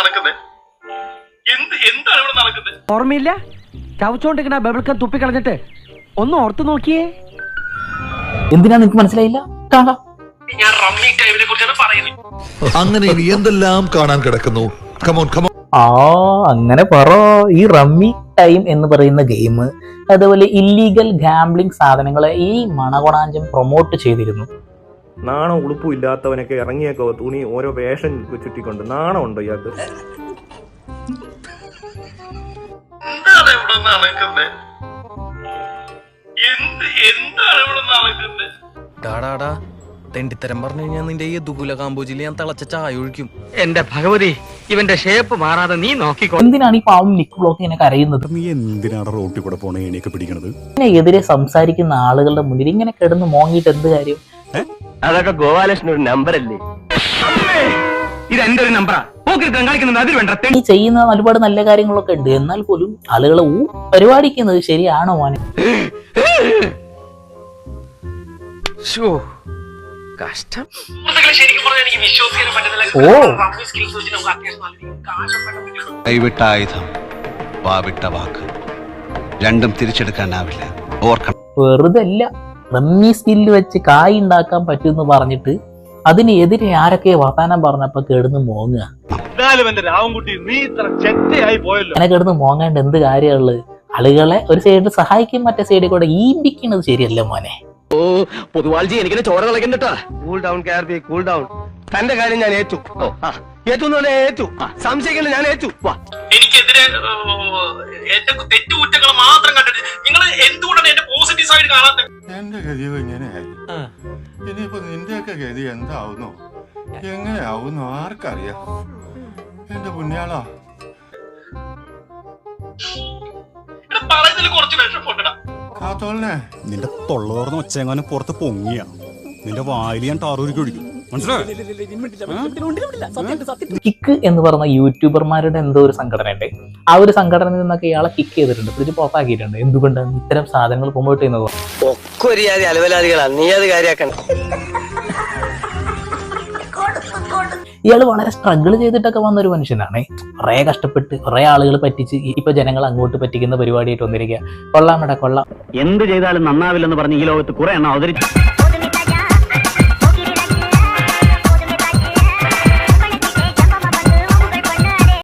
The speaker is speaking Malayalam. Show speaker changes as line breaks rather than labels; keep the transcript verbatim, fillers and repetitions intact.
നടക്കുന്നത്? എന്ത് എന്താണ് ഇവിടെ നടക്കുന്നത്?
ഓർമ്മയില്ല? ചവച്ചോണ്ടിരിക്കണ ബബിൾക്കം തുപ്പിക്കളഞ്ഞിട്ട് ഒന്ന് ഓർത്തു നോക്കിയേ.
എന്തിനാ നിനക്ക് മനസ്സിലായില്ല? കാണാം.
ഞാൻ റമ്മി ടൈമിനെ കുറിച്ചാണ് പറയുന്നത്.
അങ്ങനെ ഇനി എന്തെല്ലാം കാണാൻ കിടക്കുന്നു. Come on come on.
ആ അങ്ങനെ പറ. ഈ റമ്മി ടൈം എന്ന് പറയുന്ന ഗെയിം, അതുപോലെ ഇല്ലീഗൽ ഗാംബ്ലിംഗ് സാധനങ്ങളെ ഈ മണകൊണാഞ്ചം പ്രൊമോട്ട് ചെയ്തിരുന്നു.
നാണം ഉളുപ്പും ഇല്ലാത്തവനൊക്കെ ഇറങ്ങിയേക്കോ തുണി ഓരോ വേഷം ചുറ്റിക്കൊണ്ട് നാണം ഉണ്ടോ ഇയാൾക്ക്?
എന്താണ് ഇവിടെ നടക്കുന്നത്? എന്ത് എന്താണ് ഇവിടെ നടക്കുന്നത്?
ടാടാടാ തെണ്ടിത്തരം പറഞ്ഞു കഴിഞ്ഞാൽ നിന്റെ ഈ ദുകുല കാമ്പോജിൽ ഞാൻ തിളച്ച ചായ ഒഴിക്കും.
എന്റെ ഭഗവതി, ഇവന്റെ ഷേപ്പ് മാറാതെ നീ നോക്കിക്കോ.
എന്തിനാണ് ഈ പാവം നിക്ക് ബ്ലോക്ക് ഇങ്ങനെ കരയുന്നത്?
നീ എന്തിനാണ് റോട്ടിൽ കൂടെ പോണ എണിയൊക്കെ പിടിക്കണത്?
ഇതിനെതിരെ സംസാരിക്കുന്ന ആളുകളുടെ മുന്നിൽ ഇങ്ങനെ കിടന്ന് മോങ്ങിയിട്ട് എന്ത് കാര്യം?
അതൊക്കെ ഗോപാലകൃഷ്ണൻ ഒരു നമ്പർ അല്ലേ? ഇത് എന്റെ ഒരു നമ്പറാ. കാണിക്കുന്നത് അതിൽ വേണ്ട.
ഈ ചെയ്യുന്ന ഒരുപാട് നല്ല കാര്യങ്ങളൊക്കെ ഉണ്ട്, എന്നാൽ പോലും ആളുകളെ ഊ പരിപാടിക്കുന്നത് ശരിയാണോ മോനെ?
കഷ്ടം.
ശരിക്കും പറഞ്ഞാൽ എനിക്ക് വിശ്വസിക്കാൻ പറ്റുന്നില്ല.
ഓ
റമ്മി സ്കിൽസ് വെച്ച് നമുക്ക് അത്യാവശ്യം നല്ല രീതിയിൽ കാശ് ഉണ്ടാക്കാൻ പറ്റും.
കൈവിട്ട ആയുധം വാവിട്ട വാക്ക് രണ്ടും തിരിച്ചെടുക്കാനാവില്ല, ഓർക്കണം.
വെറുതെ അല്ല, റമ്മി സ്കില്ല് വെച്ച് കായ് ഉണ്ടാക്കാൻ പറ്റുമെന്ന് പറഞ്ഞിട്ട് അതിനെതിരെ ആരൊക്കെ വർത്താനം പറഞ്ഞപ്പോ കിടന്ന് മോങ്ങുക. അങ്ങനെ കിടന്ന് മോങ്ങാണ്ട് എന്ത് കാര്യമുള്ളത്? ആളുകളെ ഒരു സൈഡിൽ സഹായിക്കും, മറ്റേ സൈഡിൽ കൂടെ ഈമ്പിക്കുന്നത് ശരിയല്ല മോനെ.
ഓ പൊതുവാൾജി എനിക്കിനെ ചോര കളക്കണ്ടട്ടാ. Cool down K R B, cool down. തന്റെ കാര്യം ഞാൻ ഏറ്റു. ഏറ്റു ഏറ്റു സംശയിക്കണ്ട, ഞാൻ ഏറ്റു.
എനിക്കെതിരെ എന്റെ തെറ്റുകുറ്റങ്ങൾ മാത്രം കണ്ടിട്ട് നിങ്ങൾ എന്തുകൊണ്ടാണ് എന്റെ പോസിറ്റീവ് സൈഡ് കാണാത്തത്?
എന്റെ ഗതിയോ ഇങ്ങനെയായി. ഇനിയിപ്പോ നിന്റെയൊക്കെ ഗതി എന്താവുന്നു, എങ്ങനെയാവുന്നു ആർക്കറിയാം. എന്റെ പുണ്യാളാ,
പറയുന്നതിൽ കുറച്ച് വിഷമമുണ്ടടാ.
കാത്തോളനെ
നിന്റെ തൊള്ളോർന്ന് ഒച്ചെങ്ങാനും പുറത്ത് പൊങ്ങിയ നിന്റെ വായിൽ ഞാൻ ടാറൂരിക്ക് ഒഴിക്കും. മനസ്സിലായോ?
കിക്ക് എന്ന് പറഞ്ഞ യൂട്യൂബർമാരുടെ എന്തോ ഒരു സംഘടന ഉണ്ട്. ആ ഒരു സംഘടനയിൽ നിന്നൊക്കെ ഇയാളെ കിക്ക് ചെയ്തിട്ടുണ്ട്, പിടിച്ച് പുറത്താക്കിയിട്ടുണ്ട്. എന്തുകൊണ്ടാണ് ഇത്തരം സാധനങ്ങൾ പ്രൊമോട്ട് ചെയ്യുന്നത്?
ഒക്കെ ഒരു ജാതി അലവലാദികളാണ്, നീ അത് കാര്യാക്കണം.
ഇയാള് വളരെ സ്ട്രഗിൾ ചെയ്തിട്ടൊക്കെ വന്ന ഒരു മനുഷ്യനാണ്. കുറെ കഷ്ടപ്പെട്ട് കുറെ ആളുകൾ പറ്റിച്ച് ഇപ്പൊ ജനങ്ങൾ അങ്ങോട്ട് പറ്റിക്കുന്ന പരിപാടിയായിട്ട് വന്നിരിക്കുക. കൊള്ളാമടാ കൊള്ളാം.
എന്ത് ചെയ്താലും നന്നാവില്ലെന്ന് പറഞ്ഞ് ഈ ലോകത്ത് കുറെ എണ്ണം അവതരിച്ചു.